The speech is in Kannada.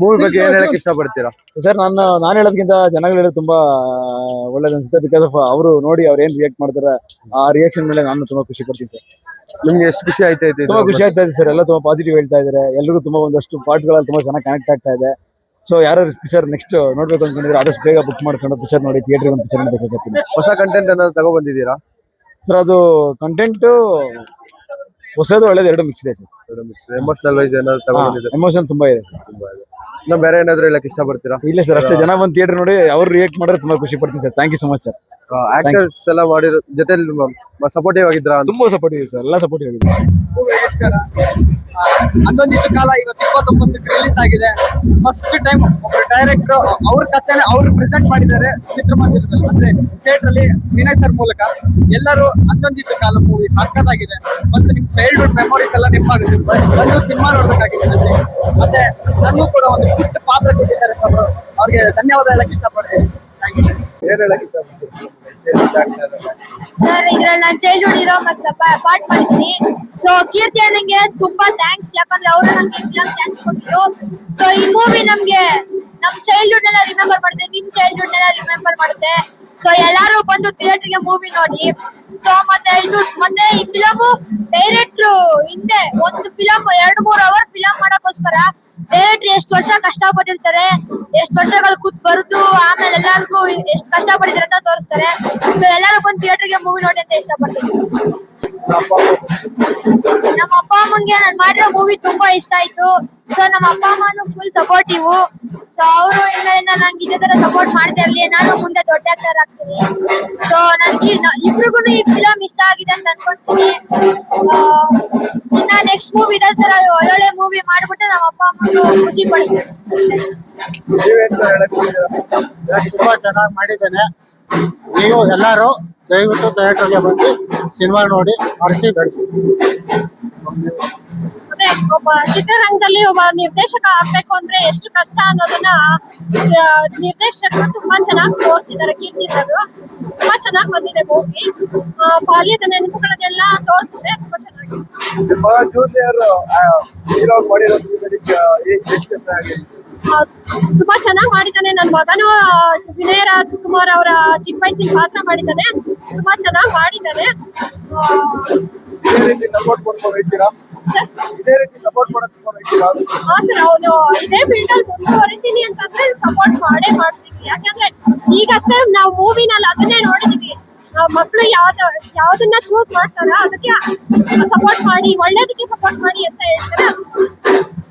ಮೂವಿ ಬಗ್ಗೆ ಏನ್ ಹೇಳಕ್ ಇಷ್ಟಪಡ್ತೀರಾ? ಸರ್ ನಾನು ಹೇಳೋದಕ್ಕಿಂತ ಜನಗಳು ಹೇಳೋದು ತುಂಬಾ ಒಳ್ಳೇದು ಅನ್ಸುತ್ತೆ. ಬಿಕಾಸ್ ಆಫ್ ಅವರು ನೋಡಿ ಅವ್ರು ಏನ್ ರಿಯಾಕ್ಟ್ ಮಾಡ್ತಾರೆ ಆ ರಿಯಾಕ್ಷನ್ ಮೇಲೆ ನಾನು ತುಂಬಾ ಖುಷಿ ಪಡ್ತೀನಿ ಸರ್. ನಿಮ್ಗೆ ಎಷ್ಟು ಖುಷಿ ಆಯ್ತಾ ಇದೆ? ತುಂಬಾ ಖುಷಿ ಆಗ್ತಾ ಇದೆ ಸರ್. ಎಲ್ಲ ತುಂಬಾ ಪಾಸಿಟಿವ್ ಹೇಳ್ತಾ ಇದಾರೆ. ಎಲ್ರಿಗೂ ತುಂಬಾ ಒಂದಷ್ಟು ಪಾರ್ಟ್ಗಳಲ್ಲಿ ತುಂಬಾ ಚೆನ್ನಾಗಿ ಕನೆಕ್ಟ್ ಆಗ್ತಾ ಇದೆ. ಸೊ ಯಾರು ಪಿಕ್ಚರ್ ನೆಕ್ಸ್ಟ್ ನೋಡ್ಬೇಕು ಅನ್ಕೊಂಡಿದ್ರೆ ಆದಷ್ಟು ಬೇಗ ಬುಕ್ ಮಾಡ್ಕೊಂಡು ಪಿಕ್ಚರ್ ನೋಡಿ ಥಿಯೇಟರ್ ಒಂದು ಪಿಕ್ಚರ್ ನೋಡ್ಬೇಕಾಗ್ತೀನಿ. ಹೊಸ ಕಂಟೆಂಟ್ ಏನಾದ್ರು ತಗೋ ಬಂದಿದ್ದೀರಾ ಸರ್? ಅದು ಕಂಟೆಂಟ್ ಹೊಸದು ಒಳ್ಳೇದು ಎರಡು ಮಿಕ್ಸ್ ಇದೆ ಸರ್. ಎಮೋಷನಲ್ ವೈಸ್ ಏನಾದ್ರು ತಗೋ ಬಂದಿದ್ದೀರಾ? ಎಮೋಷನ್ ತುಂಬಾ ಇದೆ ಸರ್. ಇನ್ನು ಬೇರೆ ಏನಾದ್ರು ಹೇಳಕ್ ಇಷ್ಟಪಡ್ತೀರಾ? ಇಲ್ಲ ಸರ್, ಅಷ್ಟೇ. ಜನ ಬಂದು ಥಿಯೇಟರ್ ನೋಡಿ ಅವ್ರು ರಿಯಾಕ್ಟ್ ಮಾಡಿದ್ರೆ ತುಂಬಾ ಖುಷಿ ಪಡ್ತೀನಿ sir. Thank you so much sir. Actors ಎಲ್ಲ ಮಾಡಿರೋ ಜೊತೆ ಸಪೋರ್ಟಿವ್ ಆಗಿದ್ರಾ? ತುಂಬಾ ಸಪೋರ್ಟಿವ್ ಸರ್, ಎಲ್ಲ ಸಪೋರ್ಟಿವ್ ಆಗಿದೆ. ನಮಸ್ಕಾರ. ಅಂದೊಂದಿಷ್ಟು ಕಾಲ ಇವತ್ತು 29ಕ್ಕೆ ರಿಲೀಸ್ ಆಗಿದೆ. ಫಸ್ಟ್ ಟೈಮ್ ಒಬ್ಬ ಡೈರೆಕ್ಟರ್ ಅವ್ರ ಕಥೆನ ಅವ್ರು ಪ್ರೆಸೆಂಟ್ ಮಾಡಿದ್ದಾರೆ ಚಿತ್ರಮಂದಿರದಲ್ಲಿ, ಅಂದ್ರೆ ಥಿಯೇಟರ್ ಅಲ್ಲಿ ವಿನಯ್ ಸರ್ ಮೂಲಕ. ಎಲ್ಲರೂ ಅಂದೊಂದಿಷ್ಟು ಕಾಲ ಮೂವಿ ಸಕ್ಕತ್ತಾಗಿದೆ. ಒಂದು ನಿಮ್ ಚೈಲ್ಡ್ಹುಡ್ ಮೆಮೊರೀಸ್ ಎಲ್ಲ ನೆನಪಾಗುತ್ತೆ. ಒಂದು ಸಿನಿಮಾ ನೋಡ್ಬೇಕಾಗಿದೆ ಮತ್ತೆ ನನಗೂ ಕೂಡ ಒಂದು ಪುಟ್ಟ ಪಾತ್ರ ಕೊಟ್ಟಿದ್ದಾರೆ ಸರ್. ಅವ್ರಿಗೆ ಧನ್ಯವಾದ ಹೇಳಕ್ ಇಷ್ಟಪಡ್ತೀನಿ. ಏನ್ ಹೇಳಕ್ ಇಷ್ಟಪಡ್ತೀರಾ ಸರ್? ಇದ್ರಲ್ಲಿ ನಾನು ಚೈಲ್ಡ್ಹುಡ್ ಹೀರೋ ಮತ್ತೆ ಪಾರ್ಟ್ ಮಾಡಿದ್ದೀನಿ. ಸೊ ಕೀರ್ತಿ ಅಣ್ಣಂಗೆ ತುಂಬಾ ಥ್ಯಾಂಕ್ಸ್, ಯಾಕಂದ್ರೆ ಅವರು ನಮ್ಗೆ ಫಿಲಂ ಚಾನ್ಸ್ ಕೊಟ್ಟಿದ್ದು. ಸೊ ಈ ಮೂವಿ ನಮ್ಗೆ ನಮ್ ಚೈಲ್ಡ್ಹುಡ್ ಎಲ್ಲ ರಿಮೆಂಬರ್ ಮಾಡುತ್ತೆ, ನಿಮ್ ಚೈಲ್ಡ್ಹುಡ್ ಎಲ್ಲ ರಿಮೆಂಬರ್ ಮಾಡುತ್ತೆ. ಸೊ ಎಲ್ಲಾರು ಬಂದು ಥಿಯೇಟರ್ಗೆ ಮೂವಿ ನೋಡಿ. ಸೊ ಮತ್ತೆ ಈ ಫಿಲಮು ಡೈರೆಕ್ಟ್ರು ಹಿಂದೆ ಒಂದು ಫಿಲಂ 2-3 ಅವರ್ ಫಿಲಂ ಮಾಡಕ್ಕೋಸ್ಕರ ಡೈರೆಕ್ಟ್ರು ಎಷ್ಟು ವರ್ಷ ಕಷ್ಟಪಟ್ಟಿರ್ತಾರೆ, ಎಷ್ಟು ವರ್ಷಗಳು ಕೂತ್ ಬರುದು, ಆಮೇಲೆ ಎಲ್ಲಾರ್ಗು ಎಷ್ಟು ಕಷ್ಟಪಟ್ಟಿದ್ದಾರೆ ಅಂತ ತೋರಿಸ್ತಾರೆ. ಸೊ ಎಲ್ಲಾರು ಬಂದು ಥಿಯೇಟರ್ಗೆ ಮೂವಿ ನೋಡಿ ಅಂತ ಇಷ್ಟಪಡ್ತೀನಿ. ನಮ್ಮ ಅಪ್ಪ ಅಮ್ಮಂಗೆ ನಾನು ಮಾಡಿರೋ ಮೂವಿ ತುಂಬಾ ಇಷ್ಟ ಆಯ್ತು. ಸೊ ನಮ್ಮ ಅಪ್ಪ ಅಮ್ಮನು ಫುಲ್ ಸಪೋರ್ಟಿವ್. ಸೊ ಅವರು ಇನ್ಮೇಲಿಂದ ನಂಗೆ ಇದೇ ತರ ಸಪೋರ್ಟ್ ಮಾಡ್ತಾ ಇರ್ಲಿ, ನಾನು ಮುಂದೆ ದೊಡ್ಡ ಆಕ್ಟರ್ ಆಗ್ತೀನಿ. ಸೊ ನನ್ಗೆ ಇಬ್ರಿಗೂ ಈ ಫಿಲಂ ಇಷ್ಟ ಆಗಿದೆ ಅಂತ ಅನ್ಕೊಂತೀನಿ. ಇನ್ನ ನೆಕ್ಸ್ಟ್ ಮೂವಿ ಇದೇ ತರ ಒಳ್ಳೊಳ್ಳೆ ಮೂವಿ ಮಾಡ್ಬಿಟ್ಟು ನಮ್ಮ ಅಪ್ಪ ಅಮ್ಮನು ಖುಷಿ ಪಡಿಸ್ತೀನಿ. ತುಂಬಾ ಚೆನ್ನಾಗಿ ಮಾಡಿದ್ದೇನೆ. ನೀವು ಎಲ್ಲರೂ ದಯವಿಟ್ಟು ಥಿಯೇಟರ್ಗೆ ಬಂದು ಸಿನಿಮಾ ನೋಡಿ ಹರಿಸಿ ಬೆಳೆಸಿ. ಅಂದ್ರೆ ಒಬ್ಬ ಚಿತ್ರರಂಗದಲ್ಲಿ ಒಬ್ಬ ನಿರ್ದೇಶಕ ಆಗ್ಬೇಕು ಅಂದ್ರೆ ಎಷ್ಟು ಕಷ್ಟ ಅನ್ನೋದನ್ನ ನಿರ್ದೇಶಕರು ತುಂಬಾ ಚೆನ್ನಾಗಿ ತೋರಿಸಿದ್ದಾರೆ. ಕೀರ್ತಿ ಸರ್ ತುಂಬಾ ಚೆನ್ನಾಗಿ ಬಂದಿದೆ ಮೂವಿ. ಬಾಲ್ಯದ ನೆನಪುಗಳನ್ನೆಲ್ಲ ತೋರಿಸಿದ್ರೆ ತುಂಬಾ ಚೆನ್ನಾಗಿದೆ. ತುಂಬಾ ಚೆನ್ನಾಗಿ ಮಾಡಿದ್ದಾನೆ. ನನ್ನ ಮಗನು ವಿನಯ ರಾಜ್ಕುಮಾರ್ ಅವರ ಚಿಕ್ಕ ವಯಸ್ಸಿನ ಪಾತ್ರ ಮಾಡಿದ್ದಾನೆ. ತುಂಬಾ ಚೆನ್ನಾಗಿ ಮಾಡಿದ್ದಾನೆ. ಸರ್ ಅವನು ಇದೇ ಫೀಲ್ಡ್ ಅಲ್ಲಿ ಮುಂದುವರಿತೀನಿ ಅಂತಂದ್ರೆ ಸಪೋರ್ಟ್ ಮಾಡ್ತೀವಿ. ಯಾಕಂದ್ರೆ ಈಗಷ್ಟೇ ನಾವು ಮೂವಿನಲ್ಲಿ ಅದನ್ನೇ ನೋಡಿದೀವಿ. ಮಕ್ಕಳು ಯಾವ್ದನ್ನ ಚೂಸ್ ಮಾಡ್ತಾರ ಅದಕ್ಕೆ ಸಪೋರ್ಟ್ ಮಾಡಿ, ಒಳ್ಳೇದಕ್ಕೆ ಸಪೋರ್ಟ್ ಮಾಡಿ ಅಂತ ಹೇಳ್ತಾರೆ.